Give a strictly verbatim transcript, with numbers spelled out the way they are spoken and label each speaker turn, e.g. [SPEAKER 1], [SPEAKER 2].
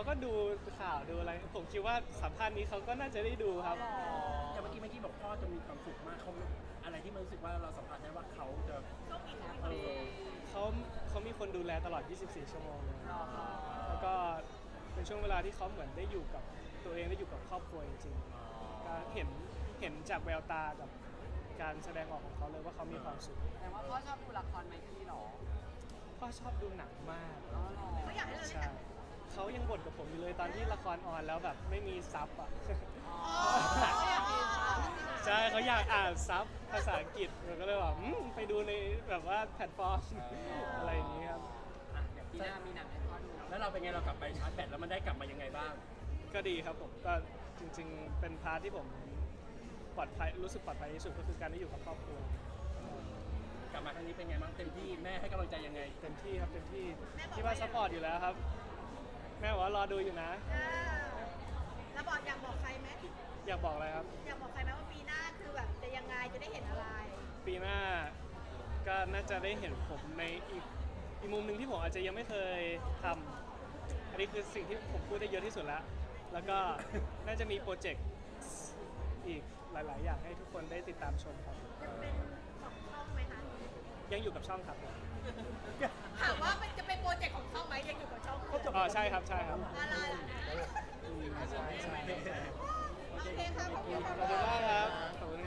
[SPEAKER 1] เขาก็ดูข่าวดูอะไร ผมคิดว่าสัมภาษณ์นี้เขาก็น่าจะได้ดูครับ
[SPEAKER 2] อย่างเมื่อกี้เมื่อกี้บอกพ่อจะมีความสุขมากเขาอะไรที่มันรู้สึกว่าเราสัมผัสได้ว่าเขาจะเออ
[SPEAKER 1] เขาเขามีคนดูแลตลอด ยี่สิบสี่ ชั่วโมงเลยแล้วก็เป็นช่วงเวลาที่เขาเหมือนได้อยู่กับตัวเองได้อยู่กับครอบครัวจริงๆก็เห็นเห็นจากแววตากับการแสดงออกของเขาเลยว่าเขามีความสุข
[SPEAKER 3] แต่ว่าพ่อชอบดูละครไหมพี่หรอ
[SPEAKER 1] พ่อชอบดูหนังมาก
[SPEAKER 3] อ๋อหรอ
[SPEAKER 4] เขาอยากให้เราเล่น
[SPEAKER 1] ใช่
[SPEAKER 4] หนัง
[SPEAKER 1] เขายังบ่นกับผมอยู่เลยตอนที่ละครออนแล้วแบบไม่มีซับอ่ะ
[SPEAKER 3] อ๋อเขาอยากดูละคร
[SPEAKER 1] ใช่เขาอยากอ่านซับภาษาอังกฤษเราก็เลยบอกอืมไปดูในแบบว่าแพลตฟอร์มอะไรอย่างนี้ครับ
[SPEAKER 2] อ่ะอย่าง
[SPEAKER 3] ปีหน้ามีหนังให้พ่อดู
[SPEAKER 2] แล้วเราเป็นไงเรากลับไปชาร์จแบตแล้วมันได้กลับมายังไงบ้าง
[SPEAKER 1] ก็ดีครับผมก็จริงๆ เป็นพาร์ทที่ผมปลอดภัยรู้สึกปลอดภัยที่สุดก็คือการได้อยู่กับครอบครัว
[SPEAKER 2] กลับมาครั้งนี้เป็นไงบ้างเต็มที่แม่ให้กำลังใจยังไง
[SPEAKER 1] เต็มที่ครับเต็มที่ที่ว่าซัพพอร์ตอยู่แล้วครับ แม่บอกว่ารอดูอยู่นะ
[SPEAKER 4] เออแล้วบอกอยากบอกใครไหม
[SPEAKER 1] อยากบอกอะไรครับ
[SPEAKER 4] อยากบอกใครไหมว่าปีหน้าคือแบบจะยังไงจะได้เห็นอะไร
[SPEAKER 1] ปีหน้าก็น่าจะได้เห็นผมในอีกอีกมุมหนึ่งที่ผมอาจจะยังไม่เคยทำอันนี้คือสิ่งที่ผมพูดได้เยอะที่สุดแล้ว แล้วก็น่าจะมีโปรเจกต์อีกหลาย ๆ อย่างให้ทุกคนได้ติดตามชมครับ
[SPEAKER 4] จะเป็นของช่องไหมคะ
[SPEAKER 1] ยังอยู่กับช่องครับผม
[SPEAKER 4] ถามว่ามันจะเป็นโปรเจกต์ของช่องไหมยังอยู่กับช่อง
[SPEAKER 1] อ๋อใช่ครับใช่ครับ
[SPEAKER 4] อะไร